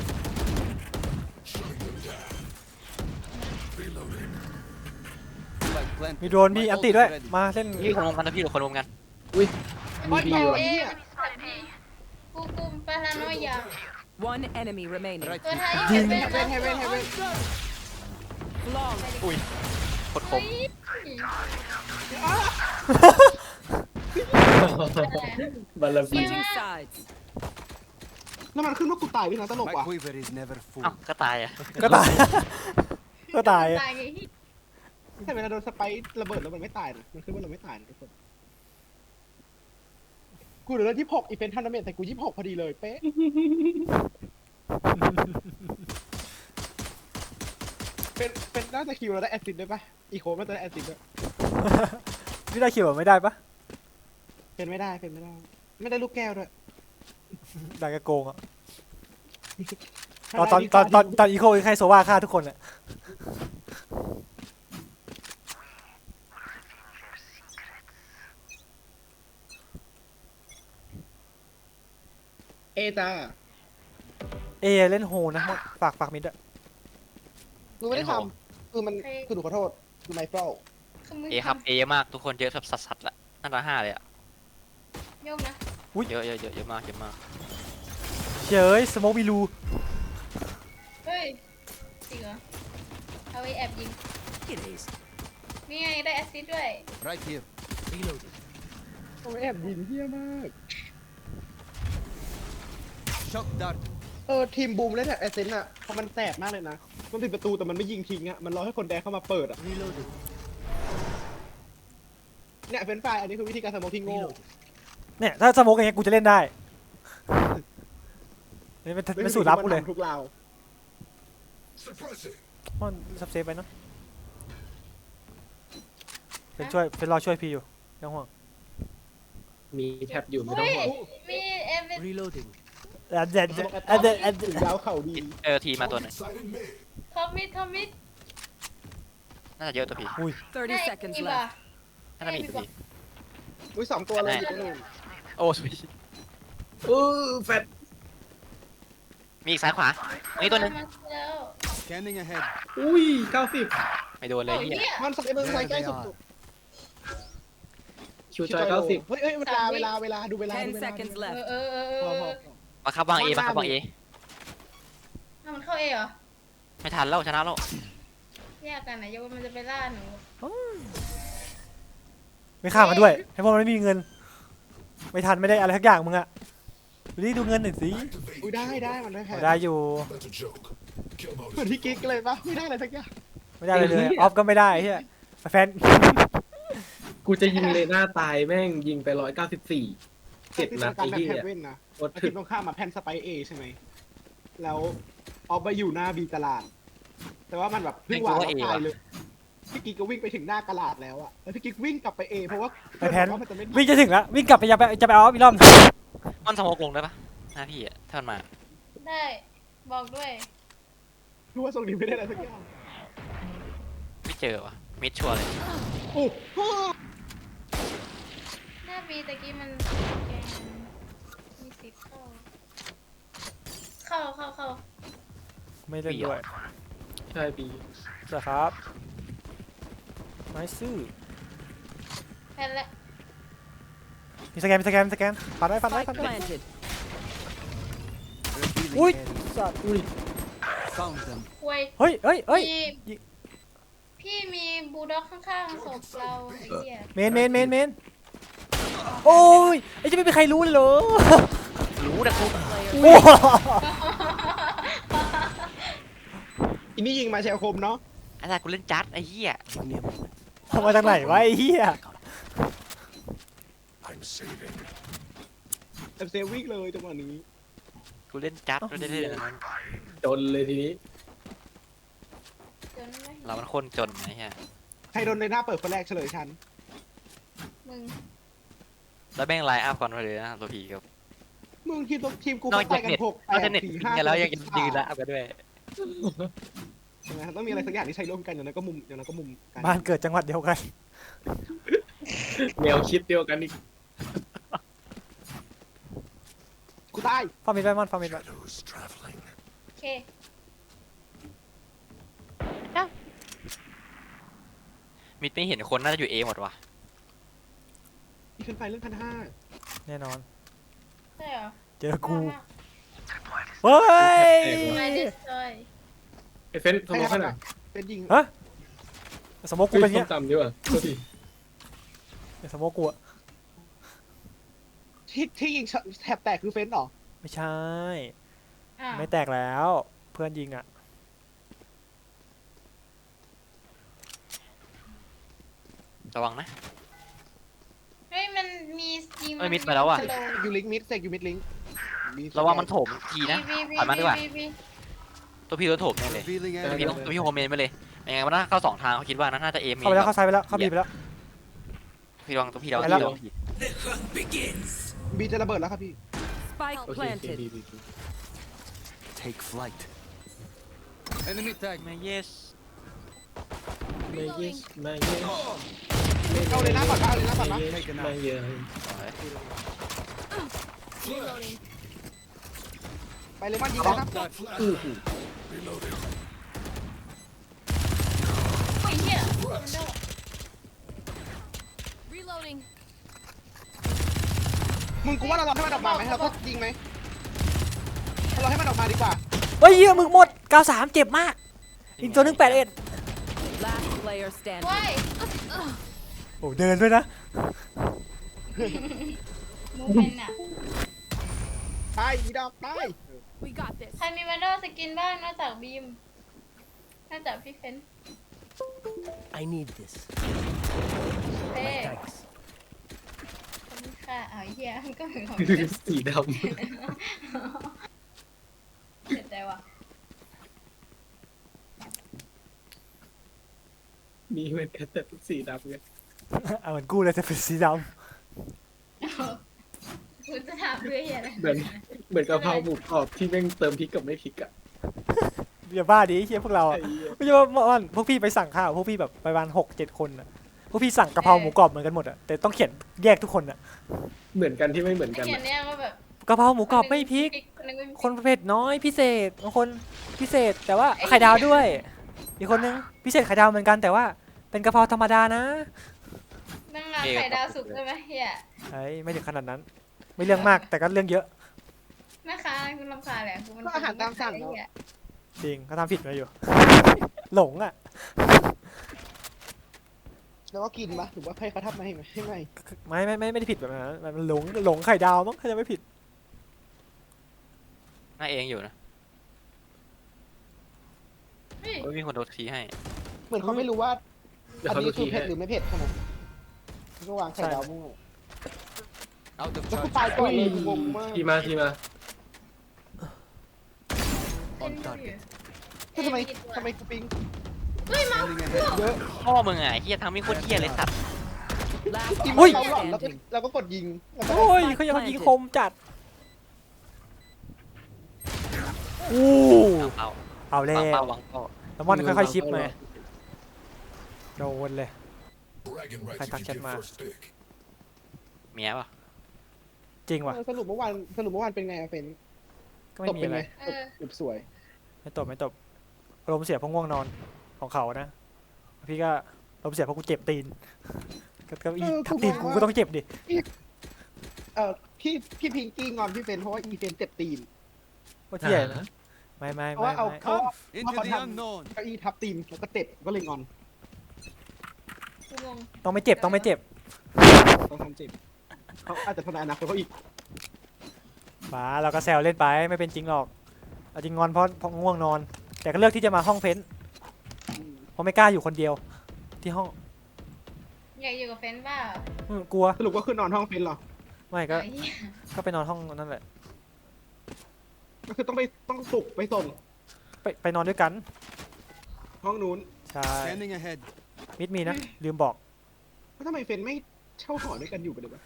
[SPEAKER 6] Flag planted.
[SPEAKER 1] มีโดรนพี่อันติด้วยมาเล่น
[SPEAKER 3] พี่คนรวมกันนะพี่คนรวมกัน
[SPEAKER 4] อุ้ย
[SPEAKER 2] โอ้ย
[SPEAKER 4] ดี
[SPEAKER 2] เปล่า
[SPEAKER 4] ว่ะ
[SPEAKER 2] ไอ้
[SPEAKER 5] เอ๊
[SPEAKER 2] เหี้ย
[SPEAKER 5] กูกูปาราโนยา
[SPEAKER 7] One enemy remaining.
[SPEAKER 6] Right
[SPEAKER 5] ตัว
[SPEAKER 6] here.
[SPEAKER 5] ไทย
[SPEAKER 1] ยิ
[SPEAKER 5] เห็
[SPEAKER 1] ง
[SPEAKER 5] นเป็น
[SPEAKER 2] เฮเว่นเฮเว่นเฮเว่น
[SPEAKER 7] Flawless.
[SPEAKER 3] อุ้ยโคตรค
[SPEAKER 5] เฮ้
[SPEAKER 3] ม
[SPEAKER 5] ย
[SPEAKER 4] บาลาบี
[SPEAKER 7] Switching sides.
[SPEAKER 2] แล้วมันขึ้นว่ากูตายด้วยนะตลก
[SPEAKER 6] My
[SPEAKER 2] ว่ะ
[SPEAKER 6] quiver is never full.
[SPEAKER 3] เอ้าก็ตายอ่ะ
[SPEAKER 1] ก็ตาย ก็ตาย
[SPEAKER 5] ตายไงที่
[SPEAKER 2] แต่เวลาโดนสไปร์ระเบิดแล้วมันไม่ตายนะมันขึ้นว่าเราไม่ตายนะทุกคนกูเหลือยี่สิบหกอีเวนต์ทันเดเมนแต่กูยี่สิบหกพอดีเลยเป๊ะเป็นเป็นน่าจะคิวเราได้แอสซิดด้วยปะอีโคมันจะได้แอสซิดด้วย
[SPEAKER 1] พี่ได้คิวแบบไม่ได้ปะ
[SPEAKER 2] เป็นไม่ได้เป็นไม่ได้ ไม่ได้ลูกแก้วด้วย
[SPEAKER 1] ได้ก็โกงอ่ะตอนตอนตอนตอนตอนอีโคใครโซวาฆ่าทุกคนอ่ะ
[SPEAKER 2] เอจ้า
[SPEAKER 1] เอเล่นโฮนะฝากฝากมิดอะ
[SPEAKER 2] กูไม่ได้ทำคือมันคือหนูขอโทษคือไมเคิล
[SPEAKER 5] คือมึง
[SPEAKER 3] เอครับเอเยอะมากทุกคนเยอะสัสสัสๆละน่าจะห้าเลยอ่ะ
[SPEAKER 5] โยกนะ
[SPEAKER 3] เยอะเยอะเยอะเยอะมากเยอะมาก
[SPEAKER 1] เย้ยสโมกมีรู
[SPEAKER 5] เฮ้ยจริงเหรอเอาไว้แอบยิง
[SPEAKER 6] It is.
[SPEAKER 5] นี่ไงได้แอสซิดด้วย
[SPEAKER 6] Right here. Reloading.
[SPEAKER 2] โอ้ยแอบยิงเฮี้ยมาก
[SPEAKER 6] Shock dart.
[SPEAKER 2] เออทีมบูมเล่นแบบแอสเซนต์อะเพราะมันแสบมากเลยนะมันปิดประตูแต่มันไม่ยิงทิ้งอะมันรอให้คนแดงเข้ามาเปิดอะ
[SPEAKER 6] Reloading.
[SPEAKER 2] เนี่ยเฟรนช์ฟรายอันนี้คือวิธีการสโมกที่โง่
[SPEAKER 6] Reloading.
[SPEAKER 1] เนี่ยถ้าสโมกอย่างเงี้ยกูจะเล่นได้นี่เป็นเป็นสูตรลับกูเลย
[SPEAKER 2] ทุกราว
[SPEAKER 1] มันซับเซฟไปเนาะเป็นช่วยเป็นรอช่วยพี่อยู่ไม่ต้องห่วง
[SPEAKER 4] มีแท็บอยู่ไม่ต้อง
[SPEAKER 5] เฮ้ย
[SPEAKER 4] ห่วง
[SPEAKER 5] มีเอฟ
[SPEAKER 6] Reloading.
[SPEAKER 1] อันเด็ด
[SPEAKER 2] สโมกแอต
[SPEAKER 1] อันเด็ดอัน
[SPEAKER 2] ถึ
[SPEAKER 1] เด็ด
[SPEAKER 2] งยาวเข่าดี
[SPEAKER 3] เออทีมาตัวหนึง
[SPEAKER 5] ทอมมิดทอมมิด
[SPEAKER 3] น่าจะเยอะตัวพี่
[SPEAKER 7] thirty seconds
[SPEAKER 5] อีบ่ะ
[SPEAKER 7] left.
[SPEAKER 3] น่าจะมีอีกตัวพี่
[SPEAKER 2] อุ้ยสองตัวเลยอยู่ตัวหนึง
[SPEAKER 3] โอ้สวย
[SPEAKER 4] โอ้แฟด
[SPEAKER 3] มีอีกซ้ายขวาอันนี้ตัวหนึง
[SPEAKER 5] มาแล้ว
[SPEAKER 6] Scanning ahead.
[SPEAKER 4] อุ้ยเก้าสิบ
[SPEAKER 3] ไม่โดนเลย
[SPEAKER 5] โอ้ย
[SPEAKER 3] เฮีย
[SPEAKER 5] เนี่ย
[SPEAKER 2] มันใส่มือใส่ใกล้สุด
[SPEAKER 4] คิวจอยเก้าสิบ
[SPEAKER 2] เฮ้ยเฮ้ยเวลาเวลาเวลาดูเวลาดู
[SPEAKER 7] ten
[SPEAKER 2] เวลา
[SPEAKER 7] seconds
[SPEAKER 5] เออ
[SPEAKER 7] left.
[SPEAKER 5] เออเออเอ
[SPEAKER 2] พอ
[SPEAKER 5] อ
[SPEAKER 2] พอ
[SPEAKER 3] มาครับวางเอมาครับวางเอ
[SPEAKER 5] ถ้ามันเข้าเอเหรอ
[SPEAKER 3] ไม่ทันแล้วชนะแล้ว
[SPEAKER 5] แยกกันนะยกว่ามันจะไปล่าหนู
[SPEAKER 1] ไม่ฆ่ามาด้วยให้พวกมันไม่มีเงิน ไม่ทันไม่ได้อะไรทักอย่างมึงอะดูดิดูเงินหน่อยสิ
[SPEAKER 2] อุ้ยได้ได้มันได้แพ้
[SPEAKER 1] ได้อยู่
[SPEAKER 2] เหมือนพี่กิ๊กเลยปะไม่ได้อะไรสักอย่าง
[SPEAKER 1] ไม่ได้เลยเลยออฟก็ไม่ได้เฮียแฟน
[SPEAKER 4] กูจะยิงเลน่าตายแม่งยิงไปร้อยเก้าสิบสี่เจ็ดนัด
[SPEAKER 2] การ
[SPEAKER 4] ไอ้
[SPEAKER 2] แบบ
[SPEAKER 4] เหี้
[SPEAKER 2] แพ
[SPEAKER 4] ย
[SPEAKER 2] นเว่นนะ
[SPEAKER 4] โคตร
[SPEAKER 2] อา
[SPEAKER 4] ถึ
[SPEAKER 2] ทิต
[SPEAKER 4] ก
[SPEAKER 2] ย์ตรงข้ามมาแพนสไปเอใช่ไหมแล้วออฟไปอยู่หน้าบีตลาด แต่ว่ามันแบบเพิ่งวางแล้วตายเลยพี่กิ๊กก็วิ่งไปถึงหน้ากระลาดแล้วอะแล้วพี่กิ๊กวิ่งกลับไปเอเพราะว่า
[SPEAKER 1] ไปแพน
[SPEAKER 2] ว่ามันจะไม่
[SPEAKER 1] วิ่งจะถึงแล้ววิ่งกลับไปจะไปจะไปออฟอีกรอบ
[SPEAKER 3] มันสโมกลงได้ปะหน้าพี่อะถ้ามันมา
[SPEAKER 5] ได้บอกด้วย
[SPEAKER 2] รู้ว่าทรงนี้ไม่ได้อะไรสักอย่าง
[SPEAKER 3] ไม่เจอวะมิดชัวร์เลย
[SPEAKER 2] โอ้โห
[SPEAKER 5] หน้าบีตะกี้มันแกงมีสิบเข้า เข้าเข้าเข้า
[SPEAKER 1] ไม่เล่นด้วย
[SPEAKER 4] ใช่ปี
[SPEAKER 1] สวัสดีครับไม่ซื้อ
[SPEAKER 5] แพนละ
[SPEAKER 1] มีสแกนมีสแกนมีสแกนผ่านได้ผ่านได้
[SPEAKER 7] Spike
[SPEAKER 1] ผ่านได้
[SPEAKER 7] planted.
[SPEAKER 6] Revealing
[SPEAKER 1] Ui.
[SPEAKER 6] area.
[SPEAKER 1] สัตว์
[SPEAKER 6] Found them.
[SPEAKER 5] ควย
[SPEAKER 1] เฮ้ยเฮ้ยเฮ้ย
[SPEAKER 5] พี่
[SPEAKER 1] ยิง
[SPEAKER 5] พี่มีบูลด็อกข้างๆศพเราไอ้เหี้ย
[SPEAKER 1] เมนเมนเมนเมนโอ้ยไอ้จะไม่มีใครรู้เลยเหรอ
[SPEAKER 3] รู้นะกู
[SPEAKER 1] โอ้
[SPEAKER 2] อินนี่ยิงมาแชลคมเนาะ
[SPEAKER 3] ไอ้ตากูเล่นจัดไอ้เหี้ย
[SPEAKER 6] Give me a moment.
[SPEAKER 1] ทำมาจากไหนวะไอ้เหี้ย
[SPEAKER 2] แต่เซฟวิ่งเลยจังหวะนี้
[SPEAKER 3] กูเล่นจัดไม่ได้เล่นอะไรนั้น
[SPEAKER 4] จนเลยทีนี้
[SPEAKER 5] จนไหม
[SPEAKER 3] เรามันคนจนไอ้เหี้ย
[SPEAKER 2] ใครโดนในหน้าเปิดคนแรกเฉลยฉัน
[SPEAKER 5] มึง
[SPEAKER 3] แล้วแม่งไลน์อัพก่อนมาเลยนะตัวผีกับ
[SPEAKER 2] มึงทีมทีมกู
[SPEAKER 3] นอก
[SPEAKER 2] ไป
[SPEAKER 3] จาก
[SPEAKER 2] กัน
[SPEAKER 3] เน็ต
[SPEAKER 2] หก
[SPEAKER 3] นอกจาก
[SPEAKER 2] แป
[SPEAKER 3] เน็
[SPEAKER 2] ด
[SPEAKER 3] ต
[SPEAKER 2] สี่
[SPEAKER 3] ยิง
[SPEAKER 2] ห้า
[SPEAKER 3] กันแล้วยังยืนไลน์อัพกันด้วย
[SPEAKER 2] ใช่ไหมต้องมีอะไรสักอย่างที่ใช้ร่วมกันอย่างนั้นก็มุมอย่างนั้นก็มุมกัน
[SPEAKER 1] บ้านเกิดจังหวัดเดียวกัน
[SPEAKER 4] แนวคิดเดียวกันอีก
[SPEAKER 2] กูตาย
[SPEAKER 1] ฟาร์มิดไว้มอนฟาร์มิดไว้
[SPEAKER 5] โอเค
[SPEAKER 3] มิดไม่เห็นคนน่าจะอยู่เอหมดว่ะ
[SPEAKER 2] อีกขึ้นไปเรื่องพันห้า
[SPEAKER 1] แน่นอน
[SPEAKER 5] ใช่เหรอ
[SPEAKER 1] เจอกูเฮ้ย
[SPEAKER 5] ไม่ดิสซอย
[SPEAKER 4] ไอ้เฟนสมองขนาด
[SPEAKER 2] เป็นยิง
[SPEAKER 1] ฮะสโมกกู
[SPEAKER 4] กู
[SPEAKER 1] เป็น
[SPEAKER 4] ส้
[SPEAKER 1] เงี้
[SPEAKER 4] ม
[SPEAKER 1] ย
[SPEAKER 4] ตำดีกว่าโทษที
[SPEAKER 1] สโมกกูอะ
[SPEAKER 2] ที่ที่ยิงแถบแตกคือเฟนซ์เหรอ
[SPEAKER 1] ไม่ใช่
[SPEAKER 5] อ้าว
[SPEAKER 1] ไม่แตกแล้วเพื่อนยิงอ่ะ
[SPEAKER 3] ระวังนะ
[SPEAKER 5] เฮ้ยมันมียิง
[SPEAKER 3] เอ้ยมิดไปแล้วอะ
[SPEAKER 5] สโล
[SPEAKER 2] ยูลิงมิดเซกยูมิดลิง
[SPEAKER 3] ระวังมันโถมทีนะ
[SPEAKER 5] วีวี
[SPEAKER 3] ถอยมาดีกว่า
[SPEAKER 5] วีวี
[SPEAKER 3] ตัวพี่โดนโถมแน่เลย
[SPEAKER 6] Revealing
[SPEAKER 3] ตัว
[SPEAKER 6] enemy.
[SPEAKER 3] พี่ต้องตัวพี่โฮมเมนไปเลยยังไงมันน่าเข้าสองทางเขาคิดว่าน่าจะเอม
[SPEAKER 1] เข้าไปแล้วเข้าซ้ายไปแล้วเข้าบีไปแล้ว
[SPEAKER 3] พี่ระวังตัวพี่ระวัง
[SPEAKER 1] ไปแล้ว
[SPEAKER 3] พี่ระวังพี่
[SPEAKER 2] บีจะระเบิดแล้วครับพี่
[SPEAKER 7] Spike
[SPEAKER 4] โอเคโอเค
[SPEAKER 7] planted.
[SPEAKER 4] ดีดีดี
[SPEAKER 6] Take flight. Enemy tag.
[SPEAKER 3] ไม่ yes
[SPEAKER 4] ไม่เยสไม่เยส
[SPEAKER 2] เอาเลยหน้าก่อนเอาเลยหน้าก่อนนะ
[SPEAKER 4] ไม่เยส
[SPEAKER 2] ไปเลยมันยิงได้นะ
[SPEAKER 4] อู้หู
[SPEAKER 5] โอ้ยเหี้ยมันโดน Reloading
[SPEAKER 2] มึงกูว่าเรารอให้มันออกมาไหมเราก็ยิงไหมเราให้มันออกมาดีกว่า
[SPEAKER 1] เฮ้ยเหี้ยมึงหมดเก้าสามเจ็บมากอีกตัวหนึงแปดเอ็ด
[SPEAKER 7] Last player standing.
[SPEAKER 5] ว้าย
[SPEAKER 1] โอ้เดินด้วยนะ
[SPEAKER 5] มูเป็นอ่ะ
[SPEAKER 2] ตายอีดอกตาย
[SPEAKER 5] We got this ใครมีวันโดสกินบ้างนอกจากบีมนอกจากพี่เฟน
[SPEAKER 6] I need this.
[SPEAKER 5] เป้
[SPEAKER 6] Thanks.
[SPEAKER 5] ขอบคุณค่ะเอาเหี้ยมันก็เหมือนของ
[SPEAKER 4] สีด
[SPEAKER 5] เสียใจว่ะ
[SPEAKER 4] ำมีเหมือนกันแต่สีดำไง
[SPEAKER 1] เอาเหมือนกูเลยจะเป็นสีด
[SPEAKER 5] คุณจะถามเพื่อเหี้ยอะไร
[SPEAKER 4] เหมือนเหมือนกะเพราหมูกรอบที่แม่งเติมพริกกับไม่พริกอ่ะ
[SPEAKER 1] ำอย่าบ้าดิไอ้เฮียพวกเรา
[SPEAKER 4] ไอ้
[SPEAKER 1] อ่ะ
[SPEAKER 4] เหี้ย
[SPEAKER 1] ไม่ใช่ว่าเมื่อวานพวกพี่ไปสั่งข้าวพวกพี่แบบไปวันหกเจ็ดคนอ่ะพวกพี่สั่งกะเพราหมูกรอบเหมือนกันหมดอ่ะแต่ต้องเขียนแยกทุกคนอ่ะ
[SPEAKER 4] เหมือนกันที่ไม่เหมือนกัน
[SPEAKER 5] เขียน
[SPEAKER 4] อะ
[SPEAKER 5] เนี่ยว่าแบบ
[SPEAKER 1] กะเพราหมูกรอบไม่พริก
[SPEAKER 5] คนหนึงไม่มีพริก
[SPEAKER 1] คนประเภทน้อยพิเศษบางคนพิเศษแต่ว่าไข่ดาวด้วย อีกคนนึงพิเศษไข่ดาวเหมือนกันแต่ว่าเป็นกะเพราธรรมดานะ
[SPEAKER 5] นั่งงานไข่ดาวสุกได้ไหมเฮีย
[SPEAKER 1] ไอ้ยไม่ถึงขนาดนั้น ไม่เรื่องมากแต่ก็เรื่องเยอะ
[SPEAKER 5] แม่ค้าคุณรำคาญแหละคุณมัน
[SPEAKER 2] ก็อาหารตามสั่ง
[SPEAKER 5] ไอ้
[SPEAKER 2] เนาะ
[SPEAKER 5] เหี้ย
[SPEAKER 1] จริงเขาทำผิดมาอยู่ หลงอ่ะ
[SPEAKER 2] แล้วก็กินปะหรือว่าให้เขาทำมาให้ไหมให้ไหม
[SPEAKER 1] ไม่ไม่ไม่ไม่ได้ผิดแบบนั้นมันหลงหลงไข่ดาวมั้งถ้าจะไม่ผิด
[SPEAKER 3] น่าเองอยู่นะ
[SPEAKER 5] เฮ้ย
[SPEAKER 3] เฮ้ยมีคนโดนทีให้
[SPEAKER 2] เหมือนเขาไม่รู้ว่า
[SPEAKER 4] เดี๋ยว
[SPEAKER 2] อัน
[SPEAKER 4] เขาดู
[SPEAKER 2] นี้คื
[SPEAKER 4] ที
[SPEAKER 2] อเผ็
[SPEAKER 4] ให้
[SPEAKER 2] ดหรือไม่เผ็ดใช่ไหมก็วางไข่ดาวมั่ว
[SPEAKER 6] Out of
[SPEAKER 2] แล้วกู
[SPEAKER 6] charge.
[SPEAKER 2] ตายก่อนเลยงงมาก
[SPEAKER 4] ทีมาทีมา
[SPEAKER 5] เล่นดูอยู่
[SPEAKER 2] คือทำไม
[SPEAKER 5] เอ้ยกี่ตัว
[SPEAKER 2] ทำไมกูปิง
[SPEAKER 5] เฮ้ยมา
[SPEAKER 6] Scanning ahead.
[SPEAKER 2] เยอะ
[SPEAKER 3] พ่อมึงอ่ะไอ้เฮียทำมีโคตรเฮียเลยสัตว์
[SPEAKER 7] Last
[SPEAKER 2] กิน
[SPEAKER 1] อุ้ย
[SPEAKER 2] เราหลอนแล้วก็เราก็กดยิงแล้วก็
[SPEAKER 1] โอ้ยเขายังยิงคมจัดอู้
[SPEAKER 3] เอา
[SPEAKER 1] เอาแล้
[SPEAKER 3] วางเป้าว วางเป้า
[SPEAKER 1] แล้วมันค่อยๆชิปมาโดนเลย
[SPEAKER 8] Bragging
[SPEAKER 1] Khai
[SPEAKER 8] rights
[SPEAKER 1] thác
[SPEAKER 8] if
[SPEAKER 1] chân
[SPEAKER 8] you get
[SPEAKER 1] mà.
[SPEAKER 8] first pick.
[SPEAKER 3] เมียป่ะ
[SPEAKER 1] จริงว่ะ
[SPEAKER 2] เออสรุปเมื่อวานสรุปเมื่อวานเป็นไงอะเฟน
[SPEAKER 1] ก็ไม่
[SPEAKER 2] ตบ
[SPEAKER 1] มี
[SPEAKER 2] เป็น
[SPEAKER 1] อะไร
[SPEAKER 2] ไงตบตบสวย
[SPEAKER 1] ไม่ตบไม่ตบอารมณ์เสียเพราะง่วงนอนของเขานะพี่ก็อารมณ์เสียเพราะกูเจ็บตีนก็ก็อีทับตีนกูก็ต้องเจ็บดิ
[SPEAKER 2] เออพี่พี่พิงกี้งอนพี่เฟนเพราะว่าอีเฟนเจ็บตีน
[SPEAKER 1] ว่าเที่ยนะไม่ไม่
[SPEAKER 2] เพราะ
[SPEAKER 1] ไม่
[SPEAKER 2] ว่าเอา
[SPEAKER 1] ไม่
[SPEAKER 2] เขาเอา
[SPEAKER 6] Into
[SPEAKER 2] Apa
[SPEAKER 6] the
[SPEAKER 2] dah?
[SPEAKER 6] unknown.
[SPEAKER 2] เก้าอี้ทับตีนแล้วก็เจ็บก็เลยงอน
[SPEAKER 5] กูงง
[SPEAKER 1] ต้องไม่เจ็บต้องไม่เจ็บ
[SPEAKER 2] ต้องทำเจ็บเขาอาจจะทำลายอนาคตเขาอีก
[SPEAKER 1] บ้าเราก็แซวเล่นไปไม่เป็นจริงหรอกเอาจริงงอนเพราะเพราะง่วงนอน แต่ก็เลือกที่จะมาห้องเฟ้นเพราะไม่กล้าอยู่คนเดียวที่ห้อง
[SPEAKER 5] อยากอยู่กับเฟนเปล่า
[SPEAKER 1] อืมกลัว
[SPEAKER 2] สรุปก็คือนอนห้องเฟนเหรอ
[SPEAKER 1] ไม่ก็
[SPEAKER 5] ไอ้เหี้ย
[SPEAKER 1] ก็ไปนอนห้องนั่นแหละ
[SPEAKER 2] ก็คือต้องไปต้องปลุกไปส่ง
[SPEAKER 1] ไปไปนอนด้วยกัน
[SPEAKER 2] ห้องนู้น
[SPEAKER 1] ใช่
[SPEAKER 6] Scanning ahead.
[SPEAKER 1] มิดมีนะลืมบอก
[SPEAKER 2] แล้วทำไมเฟนไม่เช่าหอด้วยกันอยู่กันเลยวะ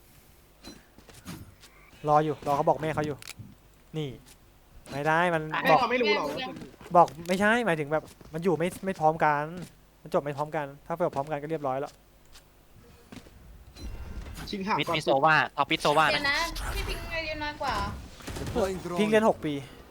[SPEAKER 1] รออยู่รอเขาบอกแม่เขาอยู่ นี่ ไม่ได้มัน
[SPEAKER 2] แม่
[SPEAKER 1] บอก
[SPEAKER 2] เขาไม่รู้หรอกว่า
[SPEAKER 1] บอกไม่ใช่หมายถึงแบบมันอยู่ไม่ไม่พร้อมกันมันจบไม่พร้อมกัน ถ้าเปิดพร้อมกันก็เรียบร้อยแล้ว
[SPEAKER 2] ชิงหา
[SPEAKER 3] มิด
[SPEAKER 2] ก่อน
[SPEAKER 3] มีโซว่าท็อปปิดโซว่า
[SPEAKER 5] เดี๋ย
[SPEAKER 3] นะ
[SPEAKER 5] วนะพี่พิงอายุน้อยกว่า
[SPEAKER 6] Deploying
[SPEAKER 1] พิงเรียน
[SPEAKER 6] drone.
[SPEAKER 1] หกปี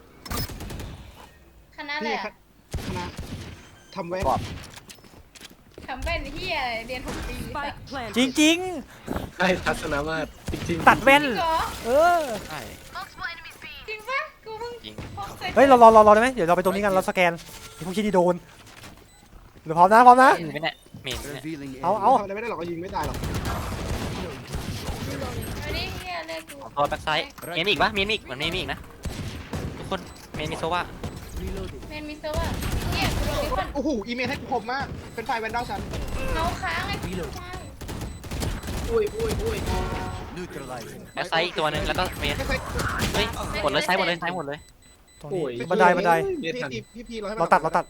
[SPEAKER 5] คณะอะไร
[SPEAKER 2] นี่
[SPEAKER 5] อะ
[SPEAKER 2] ครับคณะทำแว่น
[SPEAKER 5] ทำเป็นที่อะไรเรียนหกปี
[SPEAKER 7] Spike planted.
[SPEAKER 1] จริงจริง
[SPEAKER 4] ใช่ทัศนมาตรจริง
[SPEAKER 1] ๆ
[SPEAKER 4] ๆ
[SPEAKER 1] ตัดแว่น
[SPEAKER 5] จริงเหรอ
[SPEAKER 1] เออ
[SPEAKER 3] ใช่
[SPEAKER 5] จริงปะกูเพิ่ง
[SPEAKER 3] จริง
[SPEAKER 5] พบค
[SPEAKER 1] เฮ้ยเรารอรอรอได้ไหมเดี๋ยวเราไปตรงนี้กันเราสแกนไอ้พวกชี้นี่โดนเดี๋ยวพร้อมนะพร้อมนะ
[SPEAKER 3] มีไหมเนี่ยมีไหมเนี่ย
[SPEAKER 6] Revealing
[SPEAKER 1] เอา
[SPEAKER 6] area.
[SPEAKER 1] เอา
[SPEAKER 2] ทำอะไรไม่ได้หรอกก็ยิงไม่ตายหรอก
[SPEAKER 5] ไม่ดิดิเฮียเลยกู
[SPEAKER 3] ตัวแบ็กไซด์เมนอีกปะเมนอีกเหมือนเมนอีกนะทุกคนเมนมีโซว่า
[SPEAKER 6] Reloading.
[SPEAKER 5] เมนมิสเตอร์ว่าเนี่ยกูโดนดิคน
[SPEAKER 2] โอ้โหอีเมลให้กูคมมากเป็นไฟแวนดอลฉัน
[SPEAKER 5] เขาค้างไอ้พี่ชาย
[SPEAKER 4] อุ้ยอุ้ยอุ้ย
[SPEAKER 6] Neutralizing.
[SPEAKER 3] แบ็กไซด์อีกตัวหนึงแล้วก็เมน
[SPEAKER 2] ไม่ใช่
[SPEAKER 3] เฮ้ยหมดเลยไซด์หมดเลยไซด์หมดเลย
[SPEAKER 1] ตรง
[SPEAKER 4] โอ้ย
[SPEAKER 1] นี้บันไดบันได
[SPEAKER 2] พี่พี่พี่พี่เราให้
[SPEAKER 1] เราตัดเราตัด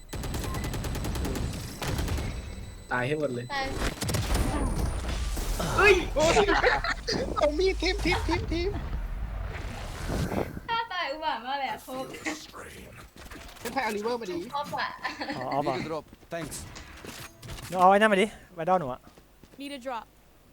[SPEAKER 4] ตายให้หมดเลย
[SPEAKER 5] ตาย
[SPEAKER 2] เฮ้ยโอ้ยเอามีดทิมทิมทิมทิม
[SPEAKER 5] ถ้าตายอุบาทมากเลยอะพบ
[SPEAKER 2] เป็นไฟอลิเวอร์มาดี
[SPEAKER 5] พบอะ
[SPEAKER 1] อ๋อเอาป่ะ
[SPEAKER 6] Need a drop. Thanks.
[SPEAKER 1] เดี๋ยวเอาไอ้นั่นมาดิไวดอลหนูอะ
[SPEAKER 7] Need a drop.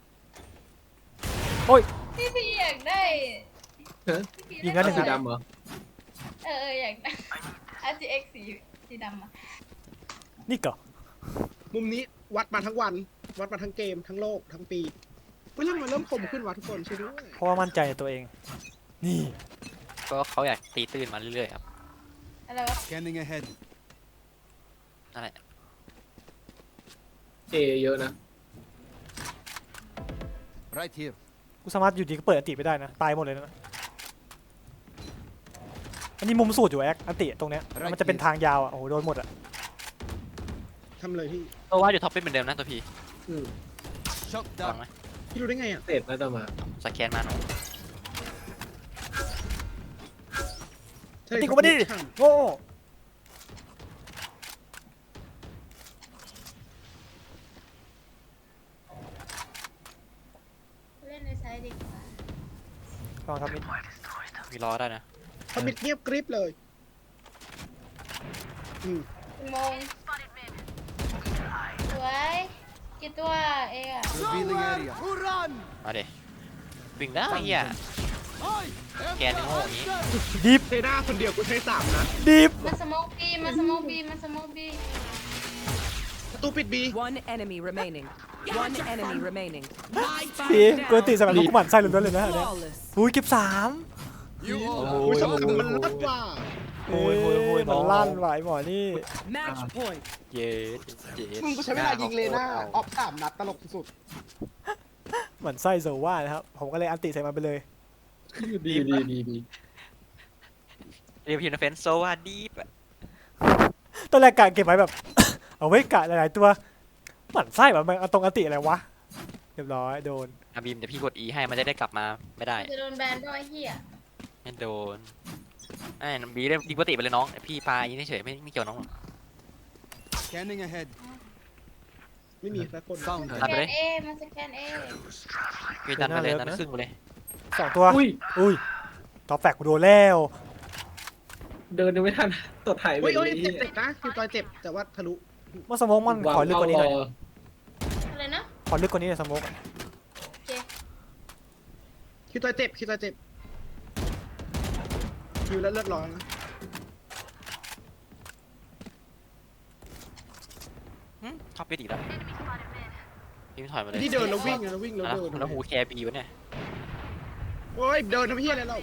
[SPEAKER 5] พี่พี่อยากได้
[SPEAKER 4] ฮะ
[SPEAKER 5] พี่พี่
[SPEAKER 1] ยิงกันหนึ่ง
[SPEAKER 4] สี
[SPEAKER 1] นัด
[SPEAKER 4] ดำเหรอ
[SPEAKER 5] เออเอออยากได้ อาร์ จี เอ็กซ์ สีสีดำอะ
[SPEAKER 1] นี่ก่อ
[SPEAKER 2] มุมนี้วัดมาทั้งวัน วัดมาทั้งเกมทั้งโลกทั้งปีเฮ้ยเรื่องมันเริ่มคมขึ้นว่ะทุกคนช่วยด้วย
[SPEAKER 1] เพราะว่ามั่นใจในตัวเอง นี่
[SPEAKER 3] ก็เขาอยากตีตื้นมาเรื่อยๆครับ
[SPEAKER 5] อะไรวะ
[SPEAKER 6] Scanning ahead.
[SPEAKER 3] นั่นแหละ
[SPEAKER 4] เอเยอะนะ
[SPEAKER 6] Right here.
[SPEAKER 1] กูสามารถอยู่ดีก็เปิดอันติไปได้นะตายหมดเลยนะอันนี้มุมสูตรอยู่แอคอันติตรงเนี้ยมันจะเป็นทางยาวอ่ะโอ้โหโดนหมดอ่ะ
[SPEAKER 2] ทำเลยพี่
[SPEAKER 3] โซว่าอยู่ท็อปเป็นเหมือนเดิมนะตัวพี
[SPEAKER 4] อืม
[SPEAKER 6] Shot
[SPEAKER 3] ลอง
[SPEAKER 6] down.
[SPEAKER 3] ไหม
[SPEAKER 2] พี่รู้ได้ไงอ่ะ
[SPEAKER 4] เศษน่าจะมา
[SPEAKER 3] สแกนมาหนู
[SPEAKER 2] ใช่
[SPEAKER 1] อันติกูมาดิโง่
[SPEAKER 5] เล่นในไซด์ดีกว่า
[SPEAKER 1] ลองทำมิด
[SPEAKER 3] มีล้อได้นะ
[SPEAKER 2] เขามิดเงียบกริบเลยอืม
[SPEAKER 5] กี่โมงสวยกี่ตัวเองอะ
[SPEAKER 6] Revealing area. Who run?
[SPEAKER 3] มาเดวิ่งได้เฮีย
[SPEAKER 6] I am
[SPEAKER 3] Scan
[SPEAKER 6] the
[SPEAKER 3] yung hole niya.
[SPEAKER 6] hunter.
[SPEAKER 1] ดิฟ
[SPEAKER 2] เทด้าคนเดียวกูใช้สามนะ
[SPEAKER 1] ดิฟ
[SPEAKER 5] มาสโมกบีมาสโมกบีมาสโมกบี
[SPEAKER 2] ประตูปิดบี
[SPEAKER 7] One enemy remaining. One enemy remaining.
[SPEAKER 1] ปีกูอันติสำหรับลูกหมันไส้ล้วนๆเลยนะอันเนี้ย
[SPEAKER 7] Flawless.
[SPEAKER 1] อุ้ยเก็บสาม
[SPEAKER 6] You all
[SPEAKER 2] อุ้ยสมมันลดว่ะ
[SPEAKER 1] โอ้ยมันลั่นไหวหมอนี่
[SPEAKER 7] Match point.
[SPEAKER 3] เย็ดเย็ด
[SPEAKER 2] มึงกูใช้เวลายิงเลน่าออฟสามนัดตลกสุด
[SPEAKER 1] เหมือนไส้โซว่านะครับผมก็เลยอันติใส่มันไปเลย
[SPEAKER 4] ดีดีดีดี
[SPEAKER 3] เรียกพิมพ์เฟนโซว่าดีปะ
[SPEAKER 1] ตอนแรกกะเก็บไว้แบบ เอาไว้กะหลายๆตัวหมั่นไส้แบบมันเอาตรงอันติอะไรวะเรียบร้อยโดน
[SPEAKER 3] อาบีมเดี๋ยวพี่กด E ให้มันจะได้กลับมาไม่ได้
[SPEAKER 5] จะโดนแบนด้วยเฮีย
[SPEAKER 3] ไม่โดนไอ้น้องบีได้ดีปกติไปเลยน้องพี่ปายิงเฉยๆไม่ไม่เกี่ยวน้องหรอก
[SPEAKER 6] Scanning ahead.
[SPEAKER 2] ๆไม่มีสักคน
[SPEAKER 6] Found
[SPEAKER 5] ส
[SPEAKER 6] her.
[SPEAKER 5] แกนเอมาสแกนเอ
[SPEAKER 3] พี่ดันไปเลยดันครึ่งไปเลย
[SPEAKER 1] สองตัว
[SPEAKER 4] อุ้ย
[SPEAKER 1] อุ้ยท็อปแฟกกูโดนแล้ว
[SPEAKER 4] เดินยังไม่ทันตดถ่ายไป
[SPEAKER 2] เฮ้ย
[SPEAKER 4] เล
[SPEAKER 2] เฮ้ย
[SPEAKER 4] ย
[SPEAKER 2] เจ็บเจ็บนะคือจอยเจ็บแต่ว่าทะลุ
[SPEAKER 1] ว่าสโมกมันขอลึกกว่านี้หน่อย
[SPEAKER 5] อะไรนะ
[SPEAKER 1] ขอลึกกว่านี้หน่อยสโมกอะ
[SPEAKER 5] โอเค
[SPEAKER 2] คือจอยเจ็บคือจอยเจ็บคิวแล้วเลือดร้อนนะ
[SPEAKER 3] หึท็อปไปอีกแล้วพี่ถอยมาเลย
[SPEAKER 2] ที่เดินแล้ววิ่งอะแล้ววิ่งแล้ว
[SPEAKER 3] แล้ว
[SPEAKER 2] เดิน
[SPEAKER 3] แล้วหูแคร์บีวะเนี่ย
[SPEAKER 2] โอ้ยเดินทำเพี้ยอะไรเรา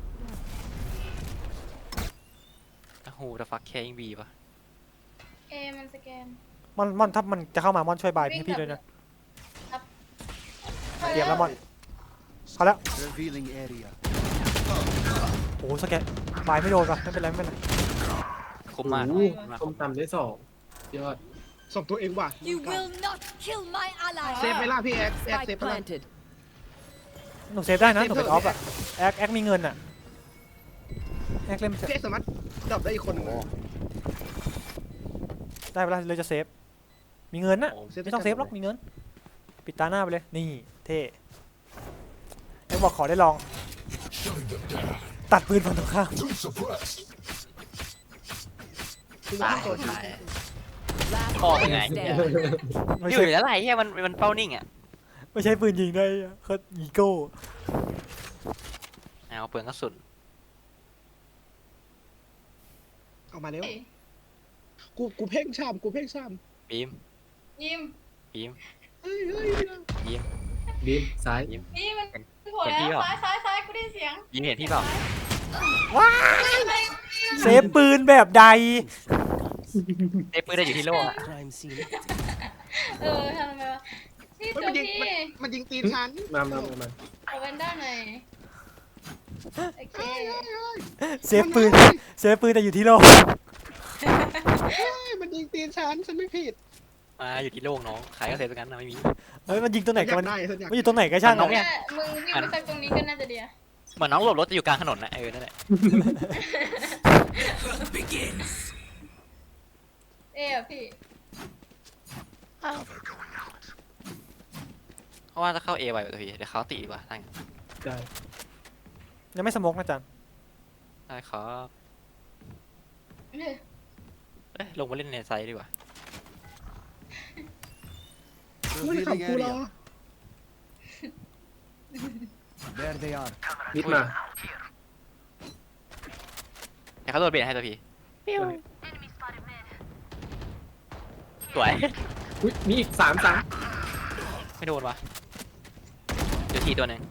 [SPEAKER 3] แล้วหูจะฟักแคร์ยิงบีปะ
[SPEAKER 5] เอมันสแกน
[SPEAKER 1] มอนมอนถ้ามันจะเข้ามามอนช่วยบายพี่พี่ด้วยนะเตรียมแล้วมอนเขาแล้ว
[SPEAKER 6] Revealing area.
[SPEAKER 1] โอ้โหสแกนบายไม่โดนป่ะไม่เป็นไรไม่เป็นไร
[SPEAKER 3] คุ้มมาก
[SPEAKER 4] โอ้โหส้มตำได้สองยอด
[SPEAKER 2] ส่งตัวเองว่ะ
[SPEAKER 7] You will not kill my ally.
[SPEAKER 2] เซฟไหมล่ะพี่แอ๊กแอ๊ก
[SPEAKER 7] Spike
[SPEAKER 2] เซฟไปล่ะ
[SPEAKER 7] planted.
[SPEAKER 1] หนูเซฟได้นะหนูเป็นออฟอะแอคแอคมีเงินอะแอคเล่น
[SPEAKER 2] พี่แอ๊กสามารถดับได้อีกคนหนึงนะ
[SPEAKER 1] ได้เวลาเลยจะเซฟมีเงินนะ
[SPEAKER 3] โอ้
[SPEAKER 1] ไม่ต้องเซฟหรอกมีเงินปิดตาหน้าไปเลยนี่เท่แอคบอกขอได้ลอง ตัดปืนฝั่งตรงข้าม
[SPEAKER 2] คือว่า
[SPEAKER 3] ตาย
[SPEAKER 2] ตัวที่
[SPEAKER 3] ตาย
[SPEAKER 7] Last
[SPEAKER 3] Oh,
[SPEAKER 7] player
[SPEAKER 3] my
[SPEAKER 7] standing.
[SPEAKER 1] ไม่
[SPEAKER 3] อยู่
[SPEAKER 1] ใช่
[SPEAKER 3] อยู่แล้วไรเฮียมันมันเป้านิ่งอ่ะ
[SPEAKER 1] ไม่ใช่ปืนยิงได้เขาอีโก้
[SPEAKER 3] เอาเปลืองกระสุน
[SPEAKER 2] เอามาเร็วกูกูเพ่งชามกูเพ่งชาม
[SPEAKER 3] บีม
[SPEAKER 5] ยิม
[SPEAKER 3] บีม
[SPEAKER 2] เฮ้ยเฮ้ย
[SPEAKER 3] บีม
[SPEAKER 4] บีมซ้าย
[SPEAKER 5] นี่มันโผล่
[SPEAKER 3] เห็นพี่
[SPEAKER 5] แล้ว
[SPEAKER 3] เหรอ
[SPEAKER 5] ซ้ายซ้ายซ้ายกูได้ยินเสียง
[SPEAKER 3] บีมเห็นพี่เปล่า
[SPEAKER 1] เซฟปืนแบบใด
[SPEAKER 3] เซฟปืนได้อยู่ที่โลกอะ
[SPEAKER 6] Crime scene.
[SPEAKER 5] เออทำไมวะนี่
[SPEAKER 2] เฮ้ย
[SPEAKER 5] ตัว
[SPEAKER 2] มันยิง
[SPEAKER 5] พี่
[SPEAKER 2] มันมันยิงตีนฉัน
[SPEAKER 4] มามามามา
[SPEAKER 5] เอาไปวันด้าหน่อยโอเค
[SPEAKER 1] เซฟปืนเซฟปืนแต่อยู่ที่โลก
[SPEAKER 2] เฮ้ยมันยิงตีนฉันฉันไม่ผิด
[SPEAKER 3] มาอยู่ที่โลกน้องขายก็เซฟกันนะไม่มี
[SPEAKER 1] เฮ้ยมันยิงตัวไหน
[SPEAKER 2] อ
[SPEAKER 1] กัน
[SPEAKER 2] ยาก
[SPEAKER 1] มัน
[SPEAKER 2] ได้ฉันอยาก
[SPEAKER 1] มันอยู่ตรงไหนก็ช่าง
[SPEAKER 3] น้
[SPEAKER 1] อะ
[SPEAKER 3] องเนี่ย
[SPEAKER 5] มึงวิ่งไปสักตรงนี้ก็น่าจะดีอะ
[SPEAKER 3] เหมือนน้องหลบรถจะอยู่กลางถนนนะเออนั่นแหละ
[SPEAKER 5] เอ๊ะพี่
[SPEAKER 3] เพราะว่าถ้าเข้าเอไวตัวพี่เดี๋ยวเขาตีดีกว่าทั้ง
[SPEAKER 4] ได้
[SPEAKER 1] ยังไม่สโมกนะจัน
[SPEAKER 3] ได้ครับ
[SPEAKER 5] เออ
[SPEAKER 3] เอ้ยลงมาเล่นในไซด์ดีกว่า
[SPEAKER 2] ไม่ขับ
[SPEAKER 6] Revealing
[SPEAKER 2] กูรอ
[SPEAKER 6] area. There they are.
[SPEAKER 4] มิดมา
[SPEAKER 3] เดี๋ยวเขาโดนเบรให้ตัวพี่สวย
[SPEAKER 4] อุ้ยมีอีกสามสาม
[SPEAKER 3] ไม่โดนวะเดี๋ยวทีตัวหนึ่ง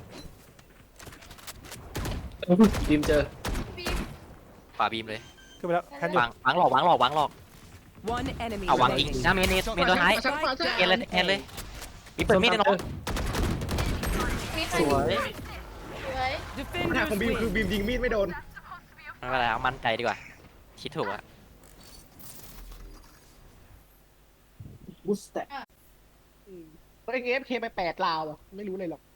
[SPEAKER 4] ทีมเจอ
[SPEAKER 5] พี่
[SPEAKER 3] ฝ่าบีมเลย
[SPEAKER 1] ขึ้นไปแล้วแพนอยู่
[SPEAKER 3] วางวางหลอกวางหลอกวางหลอก
[SPEAKER 7] One enemy
[SPEAKER 3] เอาวางจริง
[SPEAKER 7] remaining.
[SPEAKER 3] หน้าเมนเนสเมนตัวท้าย
[SPEAKER 2] ฉันขวาฉัน
[SPEAKER 3] เอ็นเลยเอ็นเลยมีเปิดมีดในน้อง
[SPEAKER 5] มีใคร
[SPEAKER 3] สวย
[SPEAKER 5] สวย
[SPEAKER 2] ปัญหา
[SPEAKER 7] Defenders
[SPEAKER 2] ของบีมคือ
[SPEAKER 7] win.
[SPEAKER 2] บีมยิงมีดไม่โดน
[SPEAKER 3] ไม่เป็นไรเอามั่นใจดีกว่าคิดถูกอะ
[SPEAKER 4] บูสแต็ก
[SPEAKER 2] ตัวเองเอฟเคไปแปดลาวอะไม่รู้เลยหรอก